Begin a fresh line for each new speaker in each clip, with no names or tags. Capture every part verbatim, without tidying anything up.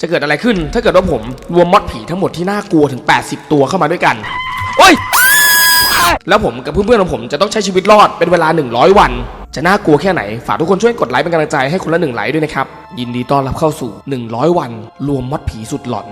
จะเกิดอะไรขึ้นถ้าเกิดว่าผมรวมมอดผีทั้งหมดที่น่ากลัวถึงแปดสิบตัวเข้ามาด้วยกันโอ้ยแล้วผมกับเพื่อนๆของผมจะต้องใช้ชีวิตรอดเป็นเวลาหนึ่งร้อยวันจะน่ากลัวแค่ไหนฝากทุกคนช่วยกดไลค์เป็นกำลังใจให้คนละหนึ่งไลค์ด้วยนะครับยินดีต้อนรับเข้าสู่หนึ่งร้อยวันรวมมอดผีสุดหลอน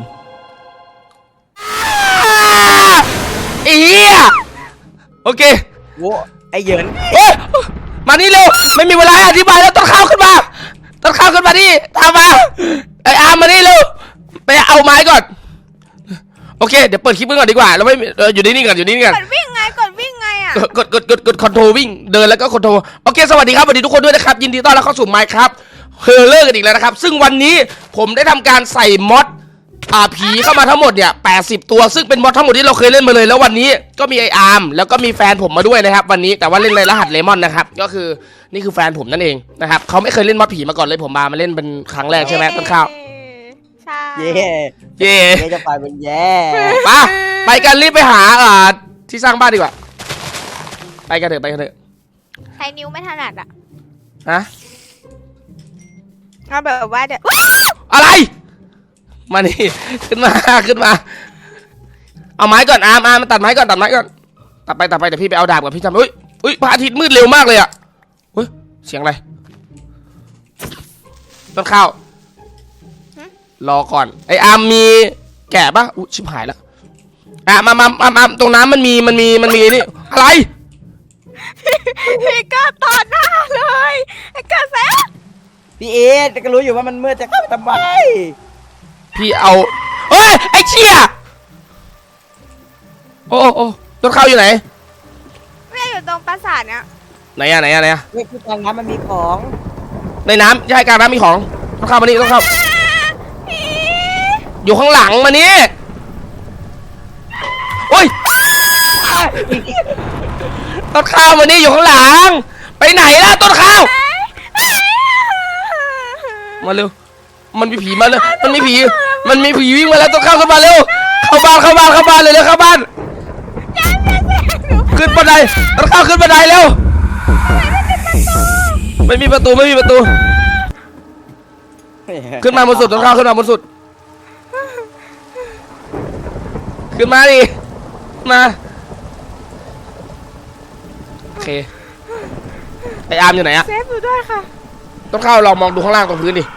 อีโอเค
โว้ไอเหยิน
เฮ้ยมานี่เร็วไม่มีเวลาอธิบายแล้วต้นข้าวขึ้นมาต้นข้าวขึ้นมานี่ตามมาไออาร์มมานี่เร็วไปเอาไม้ก่อนโอเคเดี๋ยวเปิดคลิปก่อนดีกว่าเราไม่อยู่นี่นี่ก่อนอยู่นี่นี่ก่อน
กดวิ่งไงกดวิ่งไงอ่ะ
กดกดกดกดคอนโทรวิ่งเดินแล้วก็คอนโทรโอเคสวัสดีครับสวัสดีทุกคนด้วยนะครับยินดีต้อนรับเข้าสู่ไมค์ครับเฮอร์เลอร์กันอีกแล้วนะครับซึ่งวันนี้ผมได้ทำการใส่มอดอ่าผีเข้ามาทั้งหมดเนี่ยแปดสิบตัวซึ่งเป็นมอดทั้งหมดที่เราเคยเล่นมาเลยแล้ววันนี้ก็มีไออาร์มแล้วก็มีแฟนผมมาด้วยนะครับวันนี้แต่ว่าเล่นในรหัสเลมอนนะครับก็คือนี่คือแฟนผมนั่นเองนะครับเขาไม่เคยเล่นมอดผีมาก่อนเลยผมมามาเล่นเป็นครั้งแรกใช่ไหมต้นข้าว
ใช่
เย่
เย่
เย่จะไปเป็นแย่
ไปไปกันรีบไปหาอ่าที่สร้างบ้านดีกว่าไปกันเถอะไปกันเถอะ
ใช้นิ้วไม่ถนัดอ่ะ
ฮะ
เอาแบบว่าเดี๋ยว
อะไรมานี่ขึ้นมาขึ้นมาเอาไม้ก่อนอาร์มอาร์มมาตัดไม้ก่อนตัดไม้ก่อนตัดไปตัดไปเดี๋ยวพี่ไปเอาดาบกับพี่จำอุ้ยอุ้ยพระอาทิตย์มืดเร็วมากเลยอ่ะเฮ้ยเสียงอะไรต้นข้าวรอก่อนไออาร์มมีแกะปะอุ้ยชิบหายแล้วอ่ะมามามามาตรงน้ำมันมีมันมีมันมีนี่อะไร
พี่ก็ตอดหน้าเลยไอ้กระแส
พี่เอก็รู้อยู่ว่ามันมืดจะเข้าทำไม
พี่เอาเฮ้ยไอ้เชี่ยโอ้โอ้ต้นข้าวอยู่ไหน
ไม่อยู่ตรงปราสาทเนี่ย
ไหนอะไหนอะไหนอะ
เฮ้ยคือกลางน้ำมันมีของ
ในน้ำใช่กลางน้ำมีของต้นข้าวมานี่ต้นข้าวอยู่ข้างหลังมานี่โอ้ยต้นข้าวมานี่อยู่ข้างหลังไปไหนล่ะต้นข้าวมาเร็วมันมีผีมาเลยมันมีผีมันมีผีวิ่งมาแล้วต้นข้าวขึ้นมาเร็วเข้าบ้านเข้าบ้านเข้าบ้านเลยเร็วเข้าบ้านขึ้นบันไดต้นข้าวขึ้นบันไดเร็วไม่มีประตูไม่มีประตูขึ้นมาบนสุดต้นข้าวขึ้นมาบนสุดขึ้นมาดิมาโอเคไออาร์มอยู่ไหนอะ
เซฟอยู่ด้วยค่ะ
ต้นข้าวลองมองดูข้างล่างตรงพื้นดิ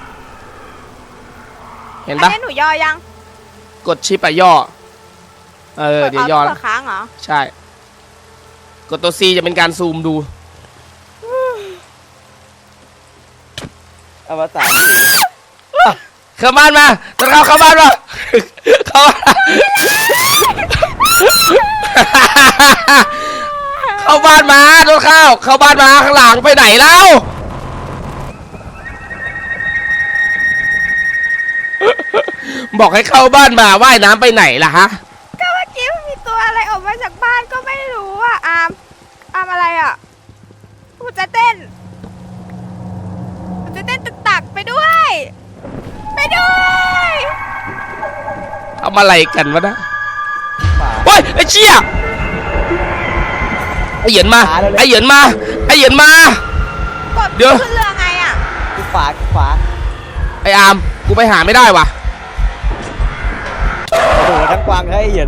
เห็นปะ
หนูย่อยัง
กดชิปไปย่อเออเดี๋ยวย่อแล้ว
ค้างเหรอ
ใช่กดตัว C จะเป็นการซูมดู
อวสาน
เข้าบ้านมาต้นข้าวเข้าบ้านมาเข้าเข้าบ้านมาต้นข้าวเข้าบ้านมาข้างหลังไปไหนแล้วบอกให้เข้าบ้านมาว่ายน้ำไปไหนล่ะฮะ
ก็เมื่อกี้มีตัวอะไรออกมาจากบ้านก็ไม่รู้อ่ะอามอามอะไรอ่ะกูจะเต้นกูจะเต้นตึกตักไปด้วยไปด้วย
ทำอะไรกันวะนะโอ้ยไอ้เชี่ยไอ้เหยินมาไอ้เหยินมาไอ้เหยินมา
เดี๋ยวขึ้นเรือไงอ่ะ
กูขวากูขวา
ไอ้อาร์มกูไปหาไม่ได้ว่ะ
โอ้โหทั้งกวางให้เหยิน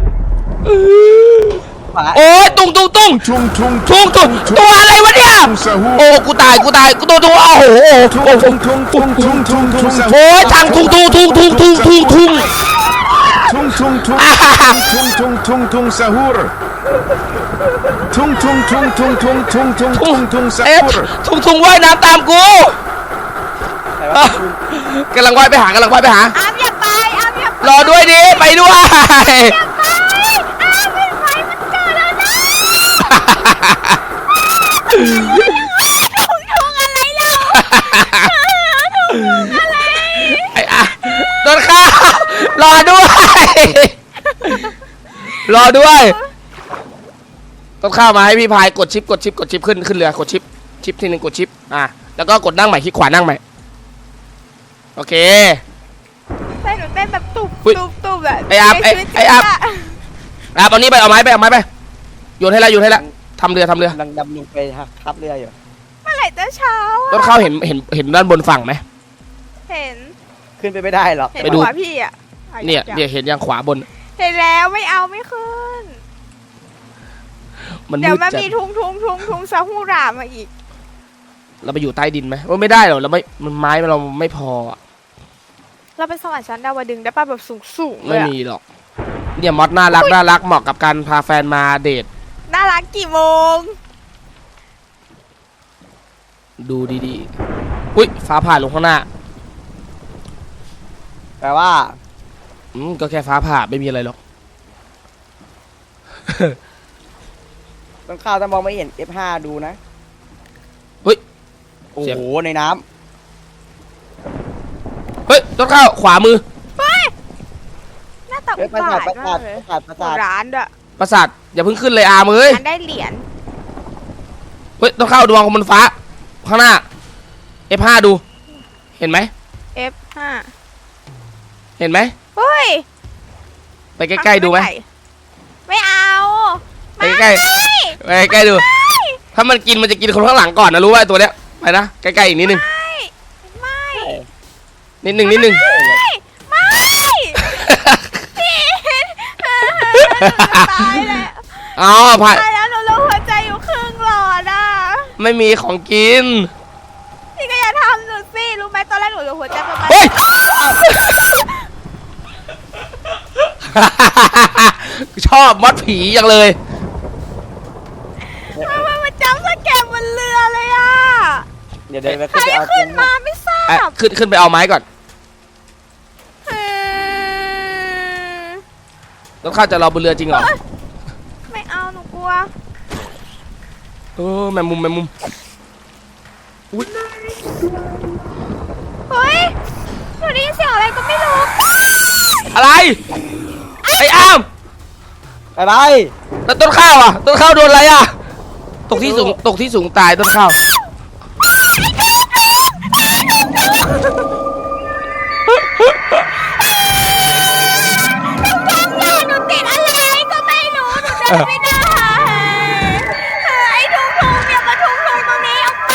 โอ้ยตุ้งตุ้งตุ้งตุ้งตุ้งตุ้งตุ้งตัวอะไรวะเนี่ยโอ้กูตายกูตายกูตัวตัวโอ้โหโอ้โหโอ้ยทางทุ่งทุ่งทุ่งทุ่งทุ่งทุ่งทุ่ง
ทุ่งทุ่งทุ่งทุ่งทุ่งทุ่งทุ่งสะฮูรทุ่งทุ่งทุ่งทุ่งทุ่งทุ่งทุ่งทุ่งทุ่งสะฮูร
ทุ่งทุ่งว่ายน้ำตามกูกำลังว่ายไปหากำลังว่ายไปหา
อามอย่าไปอามอย่าไป
รอด้วยดิไปด้วย
อย่าไปอามเป็นไฟมันเจอแล้วนะทุ่งทุ่งอะไรเราทุ่งทุ่งอะไร
ไอ้อะต้นข้าวรอด้วยรอด้วยต้นข้าวมาให้พี่พายกดชิปกดชิปกดชิปขึ้นขึ้นเรือกดชิปชิปทีหนึ่งกดชิปอ่ะแล้วก็กดนั่งใหม่คลิกขวานั่งใหม่โอเค
เต้นหนูเต้นแบบตุบตุบตุบแบบ
ไอ้อาบไอ้ไอ้อาบอาบเอานี้ไปเอาไม้ไปเอาไม้ไปโยนให้แล้วโยนให้แล้วทำเรือทำเรือ
ดำลงไปทับเรืออยู่
เมื่อไหร่จะเช้า
ต้นข้าวเห็นเห็นเห็นด้านบนฝั่งไหม
เห็น
ขึ้ขึ้นไปไม่ได้หรอก
เห็น
ไปดู
หัวพี่อ่ะ
เนี่ยเนี่ยเห็นยังขวาบน
เห็นแล้วไม่เอาไม่ขึ้น
มัน
เดี๋
มื
ยว
ด
มัน
จัด
มีทุงทุงทุงทุงซาฮูรามาอีก
เราไปอยู่ใต้ดินไหมว่าไม่ได้หรอกเราไม่มันไม้เราไม่พออะ
เราเป็นสวรรค์ชั้นดาวดึงส์ได้ป่ะแบบสูงสูงๆเล
ไม่
ยอะ
มีหรอกเนี่ยมอสน่ารักน่ารักเหมาะกับการพาแฟนมาเดท
น่ารักกี่โมง
ดูดีๆอุ้ยฟ้าผ่าลงข้างหน้า
แปลว่า
อืมก็แค่ฟ้าผ่าไม่มีอะไรหรอก
ต้องข้าวต้องมองไม่เห็น เอฟ ห้า ดูนะ
เฮ้ย
โอ้
เสียง
โหในน้
เฮ้ยต้นข้าวขวามือ
เฮ้ยหน้าตา
ำเฮ้
อุ
ยประ
บา
สาท
ท
ประ
มา
สาท
กเลย
ประสาทประสาท
ร้านด้วย
ประสาทอย่าเพิ่งขึ้นเลยอาร์มเอ้ย
อันได้เหรียญ
เฮ้ยต้นข้าวดวงของบนฟ้า ข้างหน้า เอฟ ห้า ดู เห็นไหม
เอฟ ห้า
เห็นไหม
เฮ้ย
ไปใกล้ๆดูไหม
ไม่เอา
ไปใกล้ๆไปใกล้ๆดู ถ้ามันกินมันจะกินคนข้างหลังก่อนนะรู้ว่าไอ้ตัวเนี้ยไปนะใกล้ๆอีกนิดนึง
ไม่ไม่
นิดนึงนิดนึง
ไม่พี่ตายแล้ว
อ๋อผ่าน
ตายแล้วหนูลงหัวใจอยู่ครึ่งหลอดอ่ะ
ไม่มีของกิน
พี่ก็อย่าทำหนูสิรู้ไหมตอนแรกหนูลงหัวใจประมาณ
เฮ้ย ชอบมอดผีจังเลย
ทำไมมันจำสแกมบนเรือเลยอ่ะ
เดี๋ยวเดี๋ยว
ใคร
ไปเอา
ขึ้นมาไม่ทรา
อ่ะ
บ
ขึ้นขึ้นไปเอาไม้ก่อน
เออ
ต้นข้าวจะรอบนเรือจริงเหรอ
ไม่เอาหนูกลัว
เออแมงมุมแมงมุมอุ๊ย
เฮ้ยหนูได้ยินเสียงอะไรก็ไม่รู้
อะไร ไอ้อ้าม
อะไร
แล้วต้นข้าวอ่ะ ต้นข้าวโดนอะไรอ่ะ ตกที่สูง ตกที่สูงตายต้นข้าว
หนูติดอะไรก็ไม่รู้หนูเดินไม่ได้ไอ้ทุงทุงเนี่ยมาทุงทุงตรงนี้ออกไป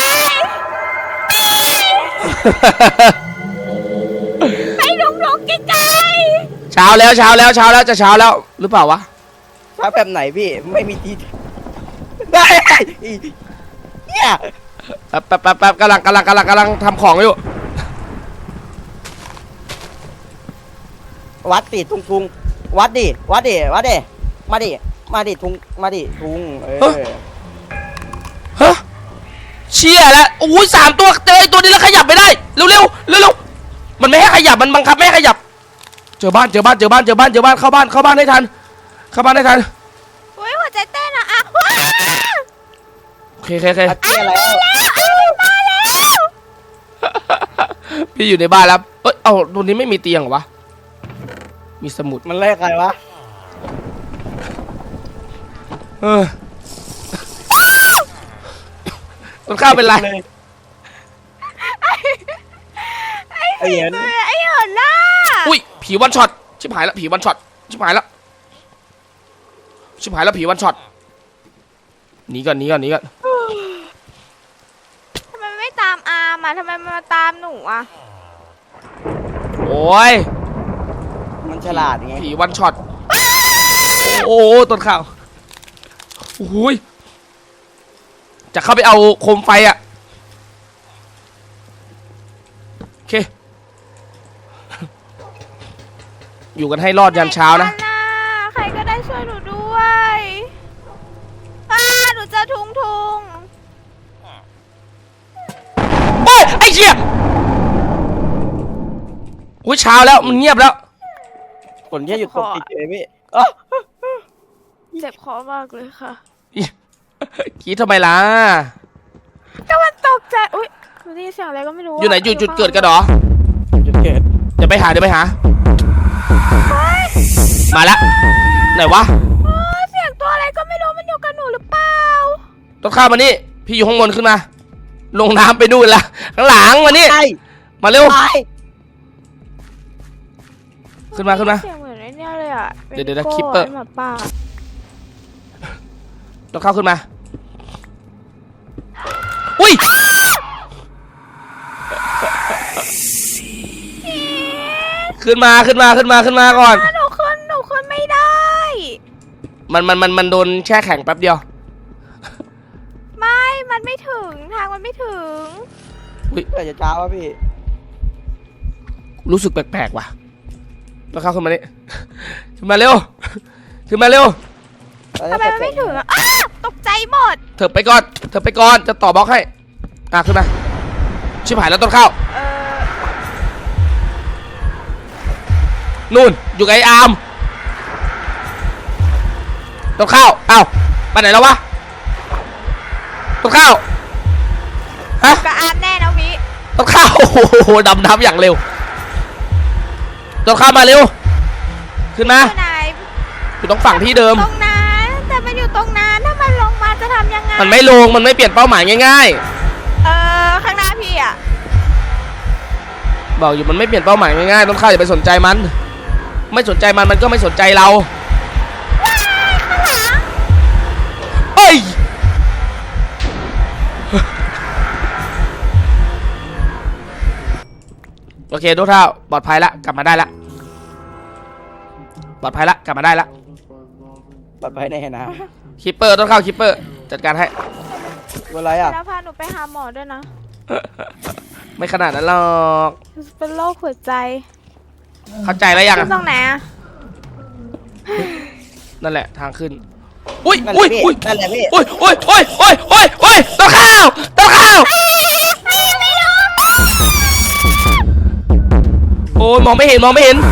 ไอ้ทุงทุงไกล
เช้าแล้วเช้าแล้วเช้าแล้วจะเช้าแล้วหรือเปล่าวะ
ช้าแบบไหนพี่ไม่มีที่ได้เนี่ย
แป๊บแป๊บแป๊บแป๊บกำลังกำลังกำลังกำลังทำของอยู่
วัดดิทุงทุงวัดดิวัดดิวัดดิมาดิมาดิทุงมาดิทุงเออ
ฮะเชี่ยแล้วโอ้ยสามตัวเจอไอ้ตัวนี้แล้วขยับไม่ได้เร็วเร็วเร็วเร็วมันไม่ให้ขยับมันบังคับไม่ให้ขยับ เจอบ้านเจอบ้านเจอบ้านเจอบ้านเจอบ้านเข้าบ้านเข้าบ้านได้ทันเข้าบ้านได้ทัน
ๆอุ้ยหัวใจเต้นอะอ่ะว้า
โอเคโอเคโอเค
อัดเตี้ยอะไร
มาแล้ว
พี่อยู่ในบ้านแล้วเอ้ยเอ้าตัวนี้ไม่มีเตียงเหรอวะมีสมุด
มันเลขอะไรวะ
เออต้นข้าวเป็นไร
ไอ้เหี้ย
ไอ้เหินหน้า
อุ้ยผีวันช็อตชิบหายแล้วผีวันช็อตชิบหายแล้วชิบหายแล้วผีวันช็อตหนีก่อนหนีก่อนหนีก่อน
ทำไมไม่ตามอาร์มอะทำไมมันมาตามหนูอะ
โอ้ย
มันฉลาดไง
ผีวันช็อตโอ้ต้นข้าวโอ้ยจะเข้าไปเอาโคมไฟอะโอเค อยู่กันให้รอดยันเช้านะ
ไหใครก็ได้ช่วยหนูด้วยอ่าหนูเจะทุงทุง
โอ้ยไอ้เชี่ยโอ้ยเช้าแล้วมันเงียบแล้ว
ฝนแค่หยุดตกติดเลยพี่อ๋อ
เจ็บคอมากเลยค่ะ
คิดทำไมล่ะ
ก็มันตกใจอุ้ยหนูได้ยินเสียงอะไรก็ไม่รู้ะ
อยู่ไหนอยู่จุดเกิดกันเหรอ
จุดเกิด
เดี๋ยวไปหาเดี๋ยวไปหา
เฮ้ย
มาแล้วไหนวะ
เฮ้ยเสียงตัวอะไรก็ไม่รู้มันอยู่กับหนูหรือเปล่า
ต้นข้าวมานี่พี่อยู่ข้างบนขึ้นมา ลงน้ำไปนู่นละข้างหลังมานี่
ไอ้
มาเร็ว
ไอ้
ขึ้นมาขึ้นมา
เสียงเหมือนไอ้เนี่ยเลยอ่ะ
เดี๋ยวเดี๋ยว
ป็น
คิปเปอร์
ไหมาป่า
ต้นข้าวขึ้นมาอุ้ย
พี่
ขึ้นมาขึ้นมาขึ้นมาขึ้นมาก่อน
หนูขึ้นหนูขึ้นไม่ได้
มันมันมันมันโดนแช่แข็งแป๊บเดียว
ไม่มันไม่ถึงทางมันไม่ถึง
เกิดจะเช้าวะพี่
รู้สึกแปลกๆว่ะแล้วเข้าขึ้นมานี่ ขึ้นมาเร็วขึ้นมาเร็ว
ทำไมมันไม่ถึงอ่ะอ้าตกใจหมด
เธอไปก่อนเธอไปก่อนจะต่อบล็อกให้อ่ะขึ้นมาชิบหายแล้วต้นข้าว
เออ
นู่นอยู่กับไอ้อาร์มต้นข้าวอ้าวไปไหนแล้ววะต้นข้าวฮะ
กระอานแน่นะวิ
ต้นข้าวโอ้โหดำน้ำอย่างเร็วต้นข้าวมาเร็วขึ้นมา
อยู่ไหน
อยู่ตรงฝั่งที่เดิม
ตรงนั้นแต่มันอยู่ตรงนั้นถ้ามันลงมาจะทำยังไง
มันไม่ลงมันไม่เปลี่ยนเป้าหมายง่าย
เออข้างหน้าพี่อ่ะ
ๆบอกอยู่มันไม่เปลี่ยนเป้าหมายง่ายๆต้นข้าวอย่าไปสนใจมันไม่สนใจมันมันก็ไม่สนใจเรา
ข้างหลัง
เอ้ยโอเคทุกท่าปลอดภัยละกลับมาได้ละปลอดภัยละกลับมาได้ละ
ปลอดภัยแน่นะ
คิปเปอร์ต้องเข้าคิปเปอร์จัดการให้
เป็นไรอ่ะ
แล้วพาหนูไปหาหมอด้วยนะ
ไม่ขนาดนั้นหรอก
เป็นโรคหัวใจ
เข้าใจแล้วยัง
ขึ้นตรงไหนอ่ะ
นั่นแหละทางขึ้นอุ้ย
นั่นแห
อุ้
ละ
ย
พี่
อุ้ย
นั่นแหละพี่
อุ้ยอุ้ยอุ้ยอุ้ยอุ้ยอุ้ยต้นข้าวต้นข้าวโอ้ยมองไม่เห็นมองไม่เห็น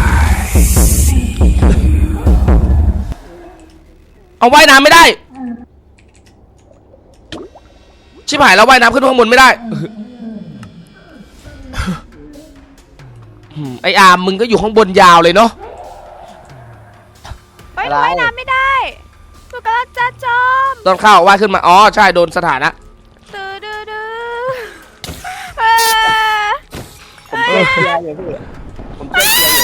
เอาว่ายน้ำไม่ได้ชิบหายแล้วว่ายน้ำขึ้นข้างบนไม่ได้อืมไออาร์มมึงก็อยู่ข้างบนยาวเลยเนาะ
เฮ้ยหนูว่ายน้ำไม่ได้หนูกำลังจะจม
ต้นข้าวว่ายขึ้นมาอ๋อใช่โดนสถานะ
ตื้อดื้อดื้อเออ
ผมเจ็บเชียร์อยู่พี่ผมเจ็บเชียร์อยู่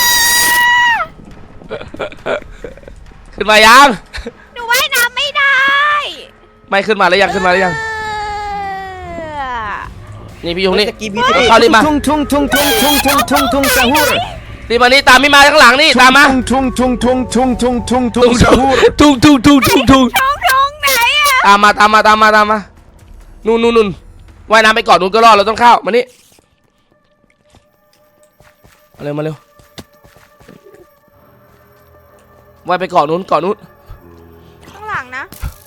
ขึ้นมายัง
หนูว่ายน้ำไม่ได้
ไม่ขึ้นมาแล้วยังขึ้นมาแล้วยัง
เออ
นี่พี่ยุงนี่
ตะกี้พี่
ต้นข้าวรีบมา
Tung tung tung tung tung tung tung tung sahur.
รีบมานี่ตามพี่มาข้างหลังนี่ตามมา
Tung tung tung tung tung tung tung tung sahur.
ทุ่งทุ่งทุ่งทุ่งทุ่ง
ท้องท้องไหนอ่ะ
ตามมาตามมาตามมาตามมานู่นนู่นนู่นว่ายน้ำไปก่อนนู่นก็รอดเราต้องเข้ามานี่มาเร็วมาเร็วว่ายไปก่อนนู้นก่อนนู้น
ข้างหลังนะ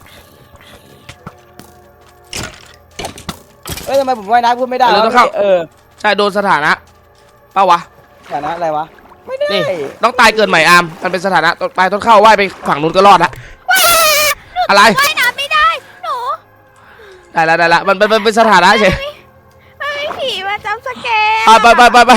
เอ้ยทำไมผมว่ายน้ำพูดไม่ได้วะพี่เออ
ใช่โดนสถานะเป้าวะ
ฐานะอะไรวะไม่ได้
นี่ต้องตายเกินใหม่อาร์มมันเป็นสถานะต้องตายต้องเข้าว่ายไปฝั่งนู้นก็รอดละอะไร
ว่ายน้ำไม่ได้หนู
ได้ละได้ละมันเป็นมันเป็นสถานะเฉย
มันไม่ผีมาจำสแกน
ไปไปไปไปไป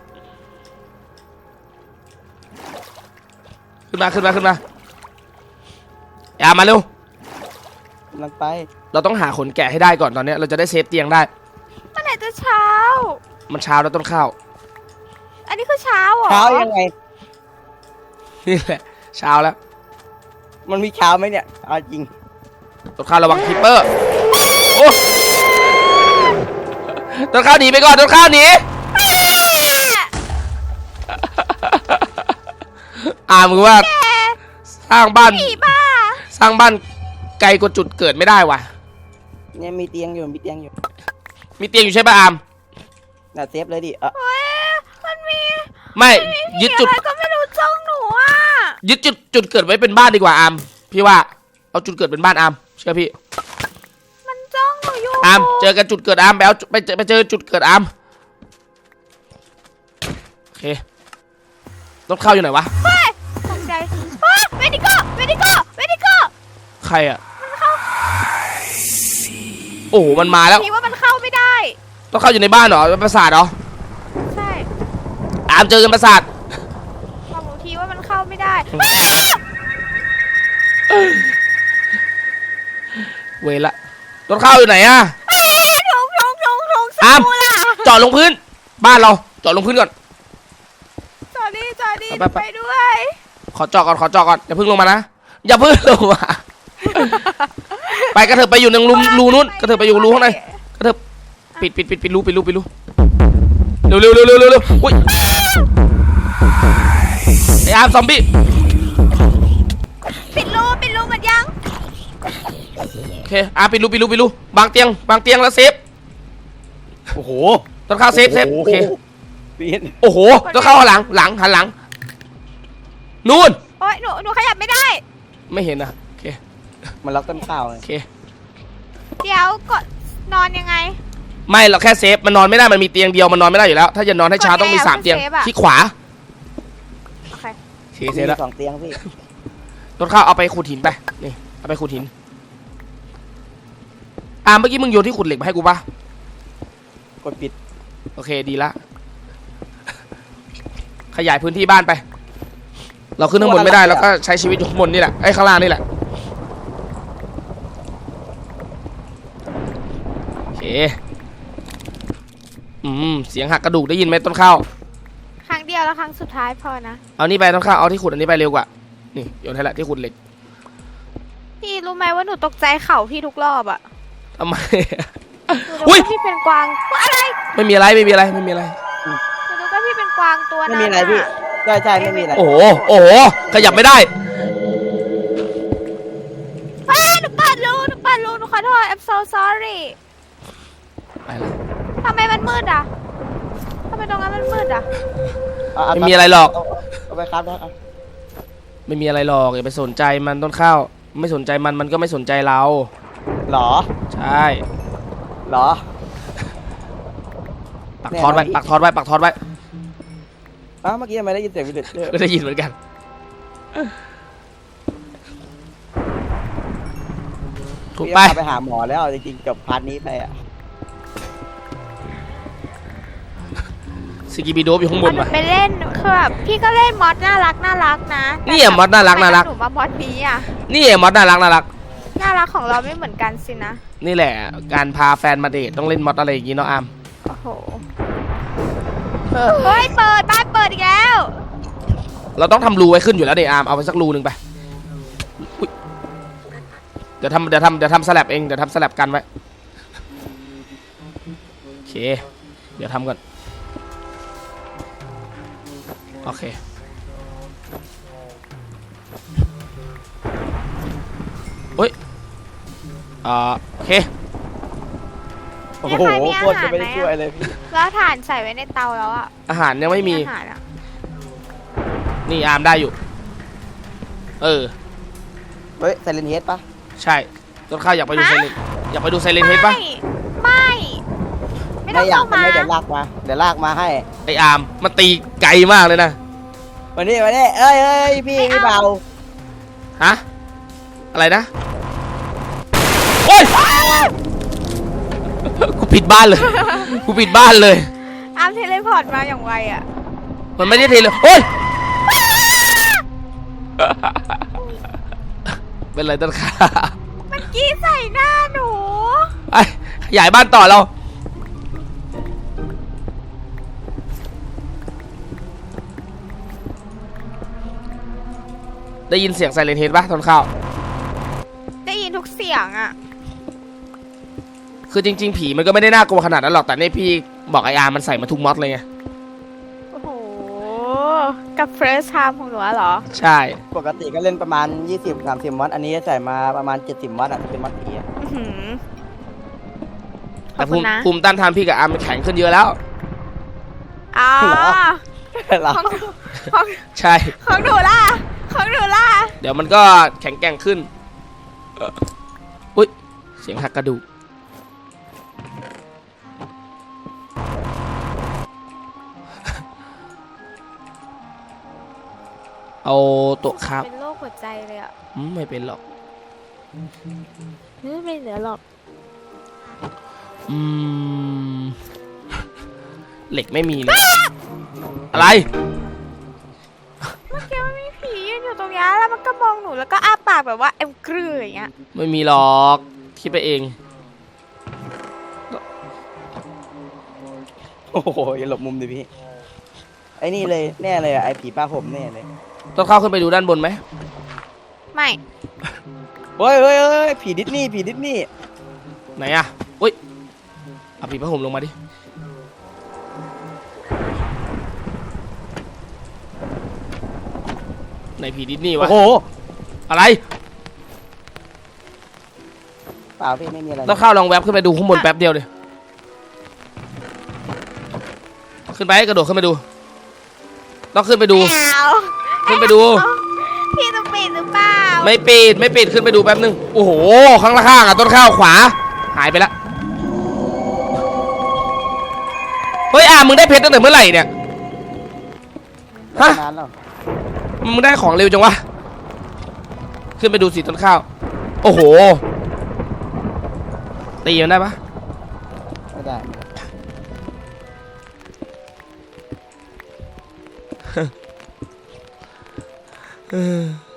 ขึ้นมาขึ้นมาขึ้นมาอาร์มมาเร็ว
กำลังไป
เราต้องหาขนแกะให้ได้ก่อนตอนนี้เราจะได้เซฟเตียงได้
เมื่อไหร่จะเช้า
มันเช้าแล้วต้นข้าว
อันนี้คือเช้าเหรอ
เช้ายังไง
นี่แหละเช้าแล้ว
มันมีเช้าไหมเนี่ยเอาจริง
ต้นข้าวระวังคิปเปอร์โอ้ต้นข้าวหนีไปก่อนต้นข้าวหนีอ่ามึงว่า
แก
สร้างบ้าน
ผีบ้า
สร้างบ้านไกลกว่าจุดเกิดไม่ได้ว่ะ
เนี่ยมีเตียงอยู่มีเตียงอยู่
มีเตียงอยู่ใช่ป่ะอาม
น่ะเซฟเลยดิเออ
เฮ้ยมันมี
ไม่ยึดจุด
อะไรก็ไม่รู้จ้องหนูอ่ะ
ยึดจุดจุดเกิดไว้เป็นบ้านดีกว่าอามพี่ว่าเอาจุดเกิดเป็นบ้านอามเชื่อพี่
มันจ้องหนูอยู่
อามเจอกันจุดเกิดอามไปเอาไปเจอไปเจอจุดเกิดอามโอเคต้นข้าวอยู่ไหนวะ
เฮ้ยตกใจเฮ้ยเวดิโก้เวดิโก้เวดิโก้
ใครอ่ะโอ้โหมันมาแล้ว
ผีว่ามันเข้าไม่ได้
ต้องเข้าอยู่ในบ้านเหรอเป็นปราสาทเหรอ
ใช่
อามเจอกันปราสาท
บอกหนูทีว่ามันเข้าไม่ได้
เวละต้นข้าวอยู่ไหนอ่ะ
ทงทงทงทง
อาม
สู้ล่ะ
จอดลงพื้น บ้านเราจอดลงพื้นก่อน
จอดีจอดี
ไปไป
ไปด้วย
ขอจอดก่อนขอจอดก่อนอย่าเพิ่งลงมานะอย่าเพิ่งลงมาไปกระเถิบไปอยู่ในรูรูนู้นกระเถิบไปอยู่รูข้างในกระเถิบปิดปิดปิดปิดรูปิดรูปิดรูเร็วเร็วเร็วเร็วเร็วเร็วอุ้ยอาร์มซอมบี้
ปิดรูปิดรูหมดยัง
โอเคอาร์มปิดรูปิดรูปิดรูบางเตียงบางเตียงแล้วเซฟ
โอ้โห
ต้นข้าวเซฟเซฟโอเค
ปีน
โอ้โหต้นข้าวหันหลังหลังหันหลังนู่น
โอ๊ยหนูหนูขยับไม่ได้
ไม่เห็นนะโอเค
มันล็อกต้นข้าวเล
โอย เค
เดี๋ยวกดนอนยังไง
ไม่เราแค่เซฟมันนอนไม่ได้มันมีเตียงเดียวมันนอนไม่ได้อยู่แล้ว ถ้าจะนอนให้ช้าต้องมีสามเตียงที่ขวา
โอเค
โอเคเซฟแล้ว
มีสองเตียงพี่
ต้นข้าวเอาไปขุดหินไปนี่เอาไปขุดหินอาร์มเมื่อกี้มึงโยนที่ขุดเหล็กมาให้กูปะ
กดปิด
โอเคดีละขยายพื้นที่บ้านไป เราขึ้นข้างบนไม่ได้เราก็ใช้ชีวิตอยู่ข้างบนนี่แหละไอ้ข้างล่างนี่แหละโอเคอืมเสียงหักกระดูกได้ยินไหมต้นข้าว
ครั้งเดียวแล้วครั้งสุดท้ายพอนะ
เอานี่ไปต้นข้าวเอาที่ขุดอันนี้ไปเร็วกว่านี่โยนให้ละที่ขุดเหล็ก
พี่รู้ไหมว่าหนูตกใจเข่าพี่ทุกรอบอะ
ทำไม
หนูนึก
อุ๊ย
ว่าพี่เป็นกวางว่าอะไร
ไม่มีอะไรไม่มีอะไรไม่มีอะไร
หนูนึกว่าพี่เป็นกวางตัว
ไม่
นั้น
มีอะไรพี่ใช่ใช่ไม่มีอะไร
โอ้โหโอ้โหขยับไม่ได้
อ้าหนูเปิดรูหนูเปิดรูหนูขอโทษ I'm so sorry
ไปละ
ทำไมมันมืดอะทำไมตรงนั้นมันมืดอะ
เอาเอา
ไม่มีอะไรหรอก
เาเอาไปครับนะเอา
ไม่มีอะไรหรอกอย่าไปสนใจมันต้นข้าวไม่สนใจมันมันก็ไม่สนใจเรา
หรอ
ใช่
หรอ
ปักทอดไว้
แน่นอน
ปักทอดไว้ปักทอดไว้
อ้าวเมื่อกี้ทำไมได้ยินเสียงวิดีโอ
ก็ได้ยินเหมือนกันถูก
พี่
ไป
พาไปหาหมอแล้วจริงๆจบพาร์ทนี้ไปอ่ะ
สกิบิโดบอยู่ข้างบน
หนู
วะ
ไปเล่นคือแบบพี่ก็เล่นมอสน่ารักน่ารักนะ
นี่อะมอสน่ารักน่ารัก
หนูมามอสนี้อะ
นี่มอสน่ารักน่ารัก
น่ารักของเราไม่เหมือนกันสินะ
นี่แหละ การพาแฟนมาเดทต้องเล่นมอสอะไรอย่างงี้เนาะอาม
โอ้โหเฮ้ยเปิดบ้านเปิดอีกแล้ว
เราต้องทำรูไว้ขึ้นอยู่แล้วเดอามเอาไปสักรูหนึ่งไปอุ๊ยเดี๋ยวทำเดี๋ยวทำเดี๋ยวทำสลับเองเดี๋ยวทำสลับกันไว้โอเคเดี๋ยวทำก่อนโอเคเฮ้ยอ่าโอเค
โอ้โหโคตรจะไม่ได้ช่วยเลยพี่
แล้วถ่านใส่ไว้ในเตาแล้วอะ
อาหารยังไม่มี
อาหารอะ
นี่อาร์มได้อยู่เออ
เฮ้ยไซเลนเฮดปะ
ใช่ต้นข้าวอยากไปดูไซเลนอยากไปดูไซเลนเฮดปะ
ไม่ไม่ไม่ต้
ไม่
อง
อยาก
เข้ามา
ไม่เดี๋ยวลากมาเดี๋ยวลากมาให้
ไออาร์มมันตีไกลมากเลยนะ
วันนี้วันนี้เอ้ยเอ้ยพี่พี่เบา
ฮะอะไรนะโอ๊ยกูปิดบ้านเลยกูปิดบ้านเลย
อาร์มเทเลพอร์ตมาอย่างไวอะ
มันไม่ได้เทเลยโอ๊ยเป็นไรต้นข้าว
มันกี้ใส่หน้าหนู
ไปขยายบ้านต่อเราได้ยินเสียงไซเรนเฮดปะต้นข้าว
ได้ยินทุกเสียงอะ
คือจริงๆผีมันก็ไม่ได้น่ากลัวขนาดนั้นหรอกแต่นี่พี่บอกไออาร์มันใส่มาทุกม็อดเลยไง
โอ้โหกับ first time ของหนูอะเหรอ
ใช่
ปกติก็เล่นประมาณ ยี่สิบ สามสิบ มอดอันนี้ใส่มาประมาณ เจ็ดสิบ มอดอ่ะเป็นมอดผีอะ
อื้อหือข
แต่
อบ
ภู
คุณ
มิ
นะ
ภูมิต้านทานพี่กับอาร์มมันแข็งขึ้นเยอะแล้ว
อ๋อ
เหรอ
ของของ
ใช่
ของหนูล่ะของหนูล่ะ
เดี๋ยวมันก็แข็งแกร่งขึ้นเอ่ออุ้ยเสียงหักกระดูกเอาโต๊ะครับ
เป็นโรคหัวใจเลยอะ
อืมไม่เป็นหรอก
ไม่ไม่เหลือหรอก
อืม เหล็กไม่มีเลย อะไร
เมื่อกี้มันมีผียืนอยู่ตรงนี้แล้วมันก็มองหนูแล้วก็อ้าปากแบบว่าเอ็มกรืออย่างเงี้ย
ไม่มีหรอก คิดไปเอง
โอ้โหอย่าหลบมุมดิพี่ไอ้นี่เลยแน่เลยอ่ะไอ้ผีป้าผมแน่เลย
ต้องเข้าขึ้นไปดูด้านบนไหม
ไม่
เฮ้ยเฮ้ยเฮ้ยผีดิสนีย์ผีดิสนีย์
ไหนอะอุ้ยเอาผีผ้าห่มลงมาดิไหนผีดิสนีย์วะ
โอ้โห
อะไร
เปล่าพี่ไม่มีอะไร
ต้องเข้าลองแวบขึ้นไปดูข้างบนแป๊บเดียวเลยขึ้นไปกระโดดขึ้นไปดูต้องขึ้นไปดู
ไม่เอา
ขึ้นไปดู
พี่จะปิดหรือเปล่า
ไม่ปิดไม่ปิดขึ้นไปดูแป๊บนึงโอ้โหข้างล่างอ่ะต้นข้าวขวาหายไปละเฮ้ยอ่ะมึงได้เพชรตั้งแต่เมื่อไหร่เนี่ยฮะ
นานแล้ว
มึงได้ของเร็วจังวะขึ้นไปดูสิต้นข้าวโอ้โหตีมันได้ปะ
ไม่ได้
เออ